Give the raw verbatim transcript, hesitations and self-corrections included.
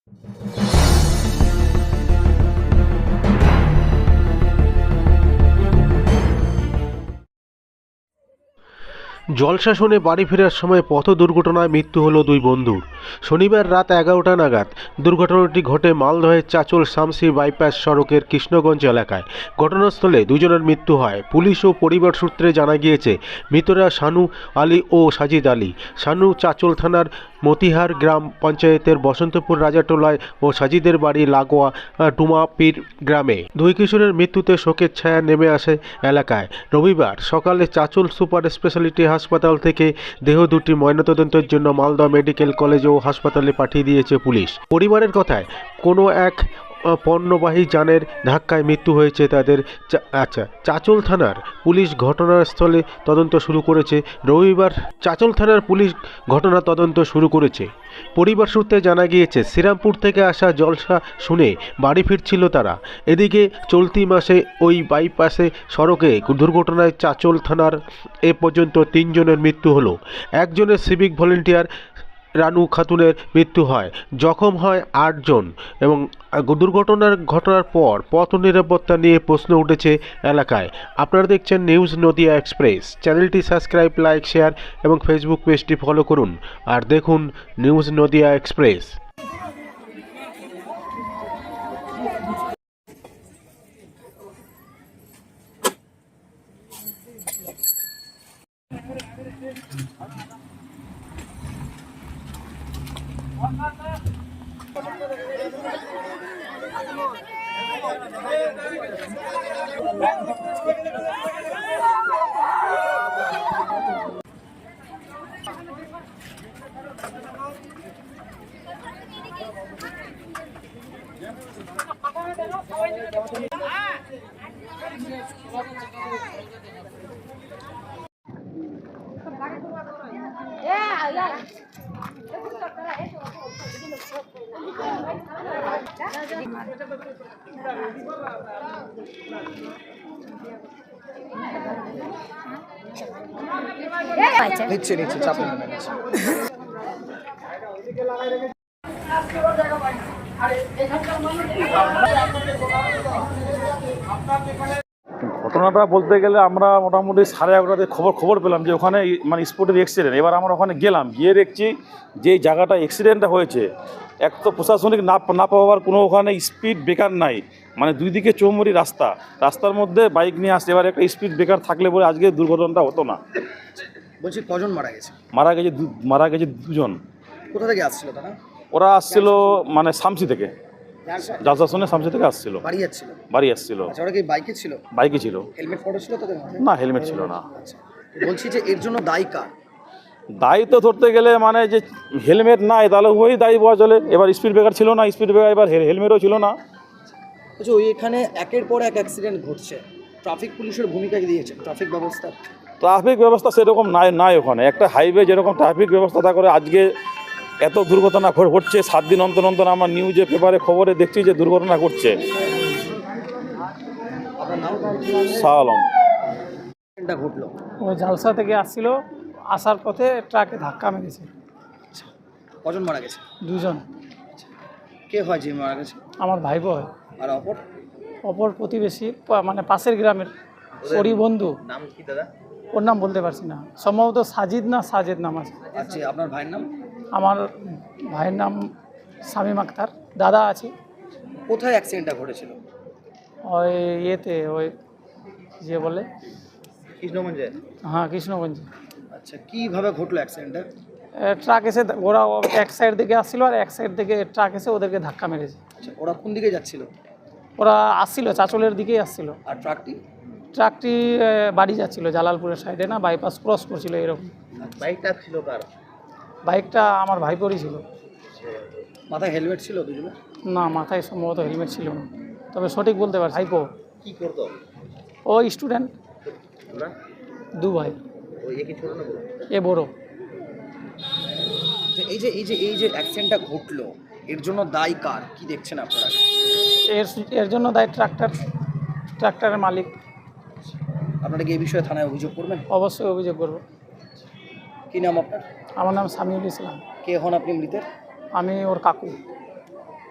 জলসা শুনে বাড়ি ফেরার সময় পথ দুর্ঘটনায় মৃত্যু হলো দুই বন্ধুর। শনিবার রাত এগারোটা নাগাদ দুর্ঘটনাটি ঘটে মালদহের চাচল শামসি বাইপাস সড়কের কৃষ্ণগঞ্জ এলাকায়। ঘটনাস্থলে দুজনের মৃত্যু হয়। পুলিশ ও পরিবার সূত্রে জানা গিয়েছে, মৃতরা শানু আলী ও সাজিদ আলী। শানু চাচল থানার মতিহার গ্রাম পঞ্চায়েতের বসন্তপুর রাজাটোলায় ও সাজিদের বাড়ি লাগোয়া টুমাপির গ্রামে। দুই কিশোরের মৃত্যুতে শোকের ছায়া নেমে আসে এলাকায়। রবিবার সকালে চাচল সুপার স্পেশালিটি হাসপাতাল থেকে দেহ দুটি ময়নাতদন্তের জন্য মালদহ মেডিকেল কলেজ ও হাসপাতালে পাঠিয়ে দিয়েছে পুলিশ। পরিবারের কথায়, কোনো এক পণ্যবাহী যানের ধাক্কায় মৃত্যু হয়েছে তাদের। আচ্ছা চাচল থানার পুলিশ ঘটনাস্থলে তদন্ত শুরু করেছে। রবিবার চাচল থানার পুলিশ ঘটনা তদন্ত শুরু করেছে। পরিবার সূত্রে জানা গিয়েছে, শ্রীরামপুর থেকে আসা জলসা শুনে বাড়ি ফিরছিল তারা। এদিকে চলতি মাসে ওই বাইপাসে সড়কে দুর্ঘটনায় চাচল থানার এ পর্যন্ত তিনজনের মৃত্যু হলো। একজনের সিভিক ভলেন্টিয়ার রানু খাতুনের মৃত্যু হয়, জখম হয় আটজন। এবং দুর্ঘটনার ঘটনার পর পথ নিরাপত্তা নিয়ে প্রশ্ন উঠেছে এলাকায়। আপনারা দেখছেন নিউজ নদিয়া এক্সপ্রেস। চ্যানেলটি সাবস্ক্রাইব, লাইক, শেয়ার এবং ফেসবুক পেজটি ফলো করুন আর দেখুন নিউজ নদিয়া এক্সপ্রেস। নিচ্ছে নিচ্ছে চাপ নেবে না। ঘটনাটা বলতে গেলে আমরা মোটামুটি সাড়ে এগারোটাতে খবর খবর পেলাম যে ওখানে মানে স্পটের অ্যাক্সিডেন্ট। এবার আমরা ওখানে গেলাম, গিয়ে দেখছি যে জায়গাটা অ্যাক্সিডেন্টটা হয়েছে, এক তো প্রশাসনিক না না পাওয়ার কোনো ওখানে স্পিড ব্রেকার নাই, মানে দুই দিকে চৌমুরি রাস্তা, রাস্তার মধ্যে বাইক নিয়ে আসছে। এবার একটা স্পিড ব্রেকার থাকলে পরে আজকে দুর্ঘটনাটা হতো না। বলছি কজন মারা গেছে? মারা গেছে মারা গেছে দুজন। কোথা থেকে আসছিল তারা? ওরা আসছিল মানে শামসি থেকে, জলসা শুনে শামসি থেকে আসছিল, বাড়ি যাচ্ছিল। বাড়ি আসছিল। আচ্ছা, ওরা কি বাইকে ছিল? বাইকে ছিল। হেলমেট পরে ছিল তাদের মাথায়? না, হেলমেট ছিল না। আচ্ছা, বলছি যে এর জন্য দায়ী কার? দায়ী তো ধরতে গেলে মানে যে হেলমেট নাই তাহলে ওই দায়ী বলা চলে। এবার স্পিড ব্রেকার ছিল না, স্পিড ব্রেকার এবার হেলমেটও ছিল না। আচ্ছা, ওই এখানে একের পর এক অ্যাক্সিডেন্ট ঘটছে, ট্রাফিক পুলিশের ভূমিকা কি দিয়েছে ট্রাফিক ব্যবস্থা? ট্রাফিক ব্যবস্থা সেরকম নাই নাই ওখানে। একটা হাইওয়ে যেরকম ট্রাফিক ব্যবস্থা তা করে আজকে এত দুর্ঘটনা ঘটছে। সাত দিন অন্তর অন্তর আমার নিউজে পেপারে খবরে দেখছি যে দুর্ঘটনা ঘটছে। আপনার নাম? শাহ আলম। অ্যাক্সিডেন্টটা ঘটলো ও জালসা থেকে আসছিল, আসার পথে ট্রাকে ধাক্কা মেরেছে। কজন মারা গেছে? দুজন। কে হয় যে মারা গেছে? আমার ভাই বোন। আর অপর? অপর প্রতিবেশী, পা- মানে পাশের গ্রামের ওরই বন্ধু। নাম কি দাদা? ওর নাম বলতে পারছি না, সম্ভবত সাজিদ না সাজেদ নাম আছে। আচ্ছা, আপনার ভাইয়ের নাম? আমার ভাইয়ের নাম শামীম আক্তার। দাদা আছে। কোথায় অ্যাক্সিডেন্টটা ঘটেছিল? ওই ইয়েতে, ওই যে বলে কৃষ্ণগঞ্জে? হ্যাঁ, কৃষ্ণগঞ্জে। আচ্ছা, কিভাবে ঘটলো অ্যাক্সিডেন্টটা? এ, ট্রাক এসে, ওরা এক সাইড থেকে আসছিল আর এক সাইড থেকে ট্রাক এসে ওদেরকে ধাক্কা মেরেছে। আচ্ছা, ওরা কোন দিকে যাচ্ছিল? ওরা আসছিল, চাচলের দিকেই আসছিল। আর ট্রাকটি? ট্রাকটি এ, বাড়ি যাচ্ছিল, জালালপুরের সাইডে না, বাইপাস ক্রস করছিল এরকম। বাইকটা ছিল কার? বাইকটা আমার ভাইপোরই ছিল। মাথায় হেলমেট ছিল দুজনে? না, মাথায় সম্ভবত হেলমেট ছিল না, তবে সঠিক বলতে পারছি। ভাইপো কি করতো? ও স্টুডেন্ট। দু ভাই। ওই একই ছোট না বড়? এ বড়। এই যে এই যে এই যে অ্যাক্সিডেন্টটা ঘটলো, এর জন্য দায়ী কার কি দেখছেন আপনারা? এর এর জন্য দায়ী ট্রাক্টর, ট্রাক্টরের মালিক। আপনারা কি এই বিষয়ে থানায় অভিযোগ করবেন? অবশ্যই অভিযোগ করব। কি নাম আপনার? আমার নাম সামিউল ইসলাম। কে হন আপনি মৃতের? আমি ওর কাকু।